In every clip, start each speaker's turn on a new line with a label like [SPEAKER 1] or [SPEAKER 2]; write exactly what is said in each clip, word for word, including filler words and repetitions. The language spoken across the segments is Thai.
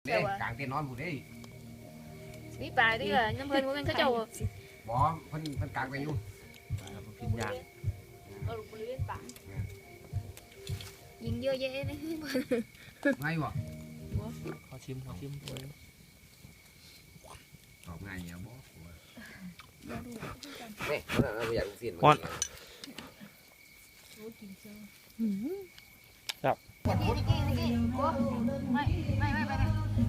[SPEAKER 1] เด้กลางเต็นท์นอนผู้เด้
[SPEAKER 2] มีปลาดิเหรอน้ำเพิ่นมันเขาเจ้า
[SPEAKER 1] บ่เพิ่นเพิ่นกลางไปอยู่กินยาก
[SPEAKER 2] ยิงเยอะแยะนี่
[SPEAKER 1] ไงบ่
[SPEAKER 3] ขอชิมขอชิม
[SPEAKER 1] ตอบง่ายเนี่ยบ่เฮ้ยเราอยากกิน
[SPEAKER 3] ฮ้อน
[SPEAKER 2] ครับไม่ไม่ไม่ไม่ไม่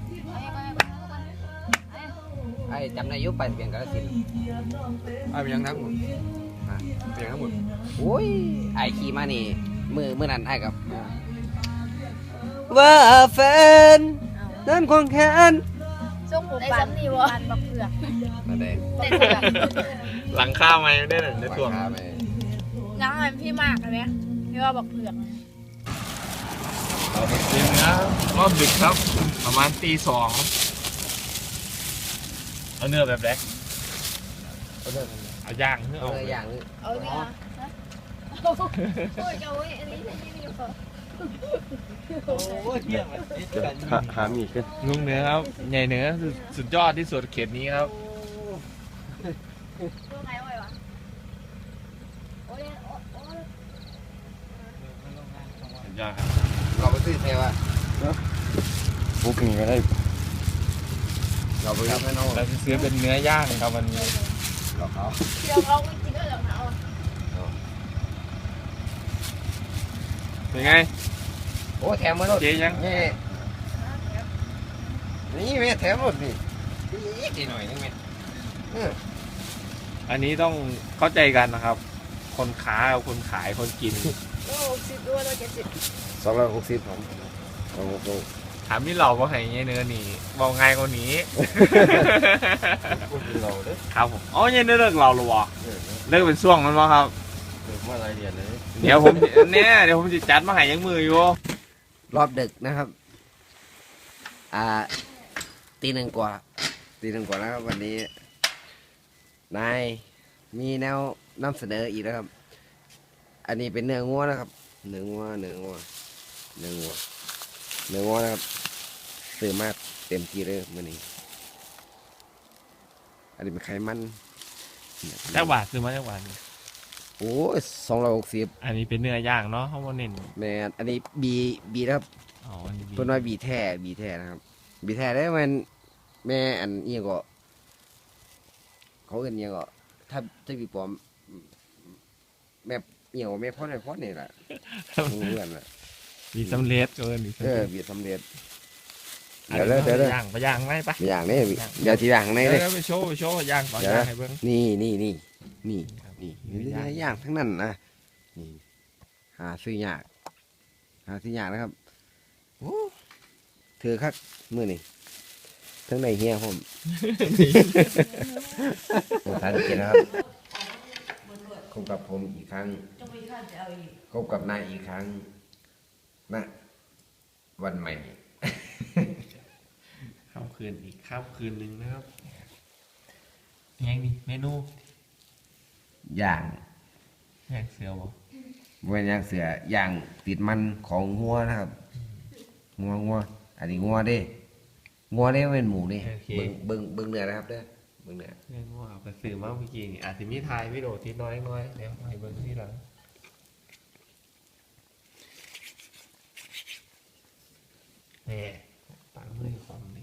[SPEAKER 1] ไอ้จำได้ยุไปเปลี่ยนกระสินไอ้เป็นยังทั้งหมดเปลี่ยนทั้งหมดโอ้ยไอ้ขี่มานี่มือมือนั้นไอ้กับว่าแฟนนั้นควงแขน
[SPEAKER 2] ส่งผมปันนี่วะปันบักเผือก
[SPEAKER 1] มาได้
[SPEAKER 2] เด็ดเผือก
[SPEAKER 3] หลังข้าวไหมได้หนึ่งในตัว
[SPEAKER 2] น้ำมันพี่มากเลยพี่ว่าบักเผือก
[SPEAKER 3] เราไปชิมนะรอบดึกครับประมาณตีสองเอาเนื้อแบบแรกเอาย่างเนื้อ
[SPEAKER 1] เอา
[SPEAKER 3] เอา
[SPEAKER 1] เลยอย่างนึง
[SPEAKER 2] เอาเนี่ยโอ้ยเอาไว้อันนี้อันนี้อยู่
[SPEAKER 4] หามีกัน
[SPEAKER 3] ลุงเนื้อครับใหญ่เนื้อสุดยอดที่สุดเขตนี้ครับ
[SPEAKER 2] ตัวไหนไว้วะโอ้ยโอ้ย
[SPEAKER 3] สุดยอดครับ
[SPEAKER 1] เราไปซื้อเทวะ
[SPEAKER 4] บุกนี่ก็ได้
[SPEAKER 1] เราไปซื้อให้น้อง
[SPEAKER 3] เราจะซื้อเป็นเนื้อย่างครับวันนี้
[SPEAKER 1] เราเขา
[SPEAKER 2] เดี๋ยวเขาไม่กินด้วยหรอกนะ
[SPEAKER 3] เป็นไง
[SPEAKER 1] โอ้แถมมาแล้ว
[SPEAKER 3] เจ๊ยัง
[SPEAKER 1] นี่นี่แม่แถมหมดนี่ดีหน่อยนึงแม่
[SPEAKER 3] อันนี้ต้องเข้าใจกันนะครับ คนค้ากับคนขายคนกิน
[SPEAKER 2] โอ้สิบด้วยแล้วเจ็ดสิบ
[SPEAKER 1] สองร้อยหกสิบผมโอ้โห
[SPEAKER 3] ถามพี่เหล่าว่าไงเนื้อนี่บอกไงกว่านี้
[SPEAKER 4] เราเด้อ
[SPEAKER 3] ครับผมอ๋อยังเลิกเราหรอวะเลิกเป็นช่วงมันวะครับ
[SPEAKER 4] เกิดมาหลายเดือนเลย
[SPEAKER 3] เดี๋ยวผมเนี่ยเดี๋ยวผมจะจัดมาให้ยังมืออยู่
[SPEAKER 1] รอบดึกนะครับอ่าตีหนึ่งกว่าตีหนึ่งกว่าแล้วครับวันนี้นายมีแนวนำเสนออีกแล้วครับ อันนี้เป็นเนื้องัวนะครับเนื้องัวเนื้องัวเนื้องัวเนื้องัวนะครับซื้อมาเต็มที่เลยมื้อนี้อันนี้เป็นไขมัน
[SPEAKER 3] จักบาทซื้อมาจักบาท
[SPEAKER 1] โอ้ยสองร้อยหกสิบ
[SPEAKER 3] อันนี้เป็นเนื้อย่างเนาะเขาบอกเน้น
[SPEAKER 1] แม่นอันนี้บีบีนะครับ
[SPEAKER 3] อ๋ออันนี้
[SPEAKER 1] เพิ่นว่าบีแท้บีแท้นะครับ บีแท้ได้มันแม่อันนี้ก็ เขาเอิ้นอิหยังก็ถ้าถ้าบีปลอมแม่เหี่ยวแม่พ่อในพ่อนี่แหละเพื่อนล่ะ
[SPEAKER 3] มีสำเร็จเกินมี
[SPEAKER 1] เอ
[SPEAKER 3] สำ
[SPEAKER 1] อ
[SPEAKER 3] เร็จ
[SPEAKER 1] บีสำเร็จ
[SPEAKER 3] อัน
[SPEAKER 1] เดี๋ยว
[SPEAKER 3] นี้
[SPEAKER 1] เด้อเดี๋ยวเด้อ
[SPEAKER 3] ไปย่างไปย่างไหมปะ
[SPEAKER 1] อย่างนี้เดี๋ยวทีหลังใน
[SPEAKER 3] เดี๋ยว
[SPEAKER 1] เลย
[SPEAKER 3] เดี๋ยวไปโชว์ไปโชว์ย่างต่อย่างให้เบิ้ง
[SPEAKER 1] นี่นี่นี่นี่
[SPEAKER 3] ครับ
[SPEAKER 1] นี่
[SPEAKER 3] มี
[SPEAKER 1] นี่
[SPEAKER 3] ย่าง
[SPEAKER 1] ย่างทั้งนั้นนะนี่หาซื้อยากหาซื้อยากนะครับโอ้เธอคักมื้อนี้ทั้งในเฮียผม ท่านกินนะครับพบกับผมอีกครั้งพบกับนายอีกครั้งนะวันใหม่
[SPEAKER 3] ข้ามคืนอีกข้ามคืนหนึ่งนะครับยังนี่เมนู
[SPEAKER 1] ย่าง
[SPEAKER 3] แยกเสือบ่
[SPEAKER 1] บริเวณย่างเสือย่างติดมันของงัวนะครับงัวงัวอันนี้งัวเด้งัวเด้เป็นหมูเด้เบิ่งเบิ่งเบิ่งเนื้อนะครับเด้อเบิ่งเนื้อ
[SPEAKER 3] เมนูเอาไปซื้อมาเมื่อกี้นี่อาจจะมีทายวิดีโอที่น้อยน้อยเดี๋ยวให้เบิ้งที่หลังนี่ปังมือความนี่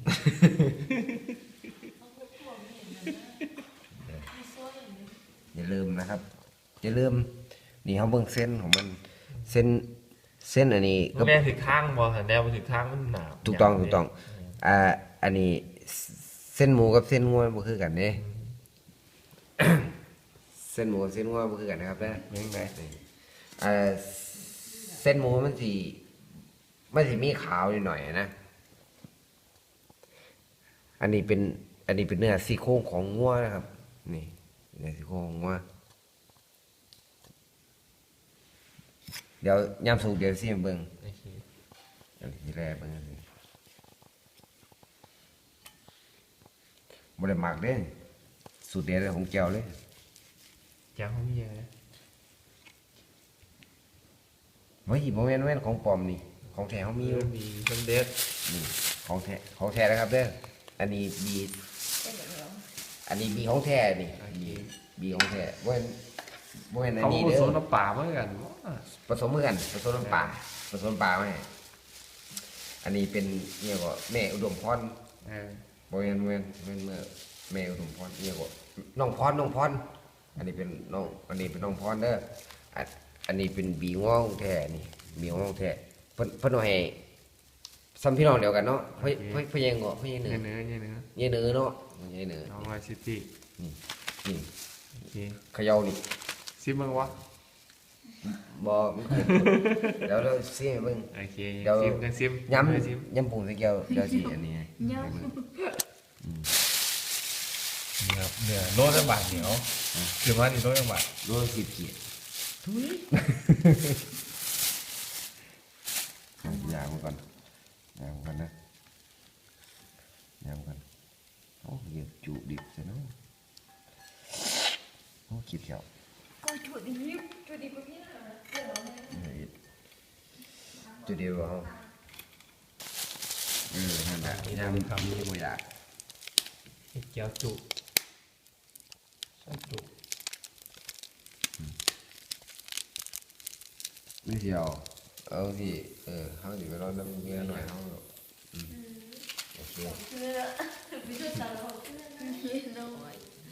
[SPEAKER 1] อย่าลืมนะครับอย่าลืมนี่เขาเบิ่งเส้นของมันเส้นเส้นอันนี้ก็
[SPEAKER 3] แม่ถือข้างบ่หันแนวไปถือข้างมันหนาว
[SPEAKER 1] ถูกต้องถูกต้องอ่าอันนี้เส้นหมูกับเส้นงัวบ่คือกันเด้ เส้นหมูกับเส้นงัวบ่คือกันนะครับเด้อ
[SPEAKER 3] ยังไง
[SPEAKER 1] อ่าเส้นหมูมันสิมันสิมีขาวนิดหน่อยนะ อันนี้เป็นอันนี้เป็นเนื้อซี่โครงของงัวนะครับ นี่เนื้อซี่โครงของงัวเดี๋ยวยามสุกเดี๋ยวสิเบิ่ง
[SPEAKER 3] โอเค
[SPEAKER 1] อันที่แรกเบิ่งสิบ่ได้มักเด้สูตรเด็ดของแก้วเลย
[SPEAKER 3] แก้วเขามีอะไร
[SPEAKER 1] เฮ้ยบ่แม่นแม่นของปลอมนี่ ของแท้เฮามีอยู่
[SPEAKER 3] มีสำเร็จ
[SPEAKER 1] นี่ขของแท้ของแท้นะครับเด้ออันนี้บี
[SPEAKER 2] เป็นแบบนี้
[SPEAKER 1] อันนี้บีของแท้นี่บีบีของแท้บ่เป็นบ่เป็นอัน
[SPEAKER 3] เขา
[SPEAKER 1] นี้
[SPEAKER 3] ผ
[SPEAKER 1] เด้
[SPEAKER 3] ส
[SPEAKER 1] อ
[SPEAKER 3] มน้ำปลาเหมือนกัน
[SPEAKER 1] ผสมมือกันผสมน้ำปลาผสมน้ำปลาไหมอันนี้เป็นเนี่ยก็แม่อุดมพร
[SPEAKER 3] เออ
[SPEAKER 1] บ่แม่นบ่แม่นบ่แม่นเมื่อแม่อุดมพรเนี่ยก็น้องพรน้องพรอันนี้เป็นน้องอันนี้เป็นน้องพรเด้ออันอันนี้เป็นบีง้องแท้นี่บีง้องแท้เพิ่นเพิ่นเอาให้ซ้ำพี่น้องเดียวกันเนาะเพิ่นเพิ่นเพิ่นยังก็เพิ่นยังเหนื
[SPEAKER 3] เนื้
[SPEAKER 1] อ
[SPEAKER 3] อเนื้อเนื้อ
[SPEAKER 1] เยเนือเนาะเยเนือ
[SPEAKER 3] น้องไวซิตี้
[SPEAKER 1] นี่นี่
[SPEAKER 3] โอเค
[SPEAKER 1] เขย่านี่
[SPEAKER 3] ซิมมึงวะ
[SPEAKER 1] บ่มันเกิดเดี๋ยวเราซิให้เบิ่ง
[SPEAKER 3] โอเค
[SPEAKER 1] เดี๋ยว
[SPEAKER 3] ซิมกันซิม
[SPEAKER 1] ย้
[SPEAKER 3] เลยซิม
[SPEAKER 1] ำย้ำผงใส่แก้วเดี๋ยวสิอันนี้ให้
[SPEAKER 2] เนาะ
[SPEAKER 1] ให้เบิ่ง
[SPEAKER 3] นี่ครับเนื้อโลละบาทเหนียวคือว่านี่โลละบาท
[SPEAKER 1] โลละสิบขีดทุยยางมันก่อนยางมันก่อนนะยางมันก่อนโอ้เยอะจุดิบซะเนาะโอ้ขีดแก้ว
[SPEAKER 2] ก็จุดดิบจุดดิบแบบนี้นะเดี๋ยวเราให้
[SPEAKER 1] นี่จุดเดียวเหรอเออนั่นแหละยางทำนี่ไม่ได้
[SPEAKER 3] เห็ดเจียวจุใส่จุ
[SPEAKER 1] ไม่เชียวเอาที่เออเขาอยู่ไปรอน้ำเงี้ยหน่อยเขาอืมโอเค
[SPEAKER 2] คือวิธีการเราคือน้อย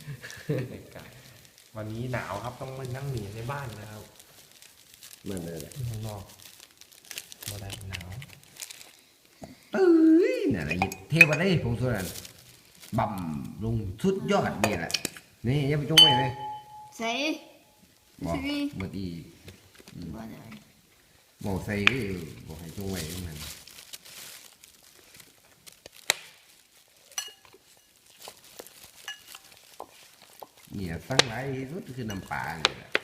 [SPEAKER 3] วันนี้หนาวครับต้องมานั่งหนีในบ้านนะครับ
[SPEAKER 1] มันเลยแหละ
[SPEAKER 3] ที่ข้างนอกมาได้หนาว
[SPEAKER 1] เอ้ยนี่นแหละยิบเทวันได้ผมสุดนั้นบ่ำลงสุดยอดนี่แหละนี่อยังไปจงไว้ไหม
[SPEAKER 2] ใส่
[SPEAKER 1] บอกเมื่อกี้
[SPEAKER 2] บ้านไหน
[SPEAKER 1] บอกใส่ก็บอกให้จงไว้ตรงนั้นเนี่ยตั้งหลายที่สุดคือน้ำปลาเนี่ยแหละ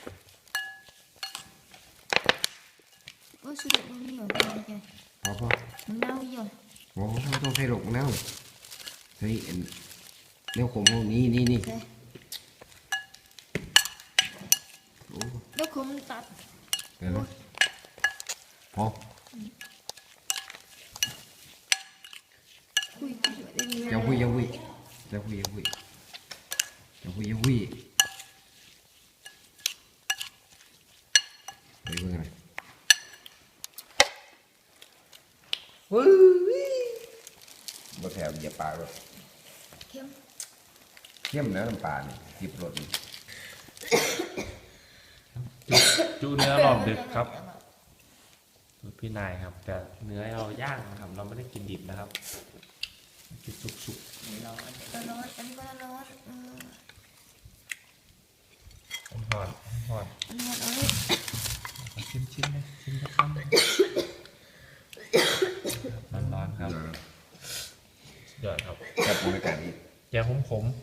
[SPEAKER 2] โอ้สุดยอดนี่เหรอเป็นไง
[SPEAKER 1] พอพอ
[SPEAKER 2] มันเน่าเยอะ
[SPEAKER 1] โอ้ไม่ต้องใส่หลกเน่าใส่เอ็นเนื้อขมพวกนี้นี่นี่
[SPEAKER 2] ใส่
[SPEAKER 1] โอ้
[SPEAKER 2] แล้วผมตัด
[SPEAKER 1] เดี๋ยวนะพอ
[SPEAKER 2] คุยคุยได้ไหม
[SPEAKER 1] อย่าคุยอย่าคุยอย่าคุยอย่าคุยอย่าคุยอย่าคุยไปเบิ่งอะไรเฮ้ยบ่แถวเหยียบปลาเลย
[SPEAKER 2] เข้ม
[SPEAKER 1] เข้มแล้วน้ำปลานี่ติบรสนี่
[SPEAKER 3] จุเนื้อรอบดึกครับสูตรพี่นายครับ แต่เนื้อเราย่างนะครับ เราไม่ได้กินดิบนะครับกินสุก
[SPEAKER 2] ร้อนก็ร้อนอันนี้ก็ร้อนเออ
[SPEAKER 3] ๆหอดหอด
[SPEAKER 2] ร้อนเอาเลย
[SPEAKER 3] ชิมชิมเลยชิมสักคำร้อนๆครับสุดยอดครับ
[SPEAKER 1] กับบรรยากาศดี
[SPEAKER 3] แกงขม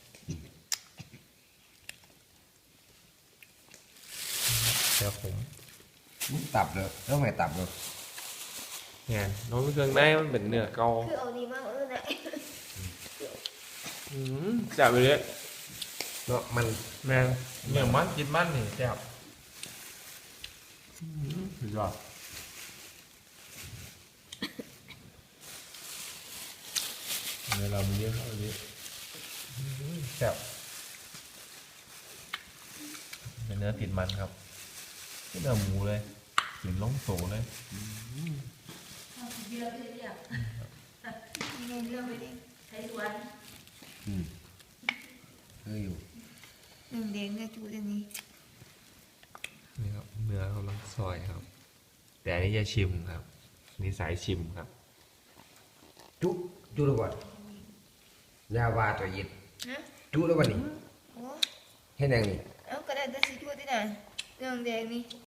[SPEAKER 3] ๆแกงขม
[SPEAKER 1] ตับเลยแล้วไงตับเลย
[SPEAKER 3] เนี่ยน้องเครื่องในมันเป็นเนื้อเกา
[SPEAKER 2] คือเอาดีมากเออไหน
[SPEAKER 3] อืมจับไปเลย
[SPEAKER 1] เนาะมัน
[SPEAKER 3] แม่งเนื้อมันกินมันนี่จับอืมสุดยอดเนื้อเรามีเยอะเข้าไปดิจับเป็นเนื้อติดมันครับเป็นเนื้อหมูเลยกลิ่นล้องโสเลย
[SPEAKER 2] เยอะเลยอ่ะเงินเยอะไปดิใช้สวน
[SPEAKER 1] อืมเฮ้ยอยู่
[SPEAKER 2] หนึ่งเด้งก็จุดอันนี้
[SPEAKER 3] นี่ครับเนื้อกำลังซอยครับ แต่อันนี้จะชิมครับอันนี่สายชิมครับ
[SPEAKER 1] จุจุแล้วบ่ยาวาตัวยิด
[SPEAKER 2] นะ
[SPEAKER 1] จุแล้วบ่นี่
[SPEAKER 2] โอ้
[SPEAKER 1] เฮ็ดหยังนี่
[SPEAKER 2] เอากระดาษจะสิจุดที่ไหนหนึ่งเด้งนี่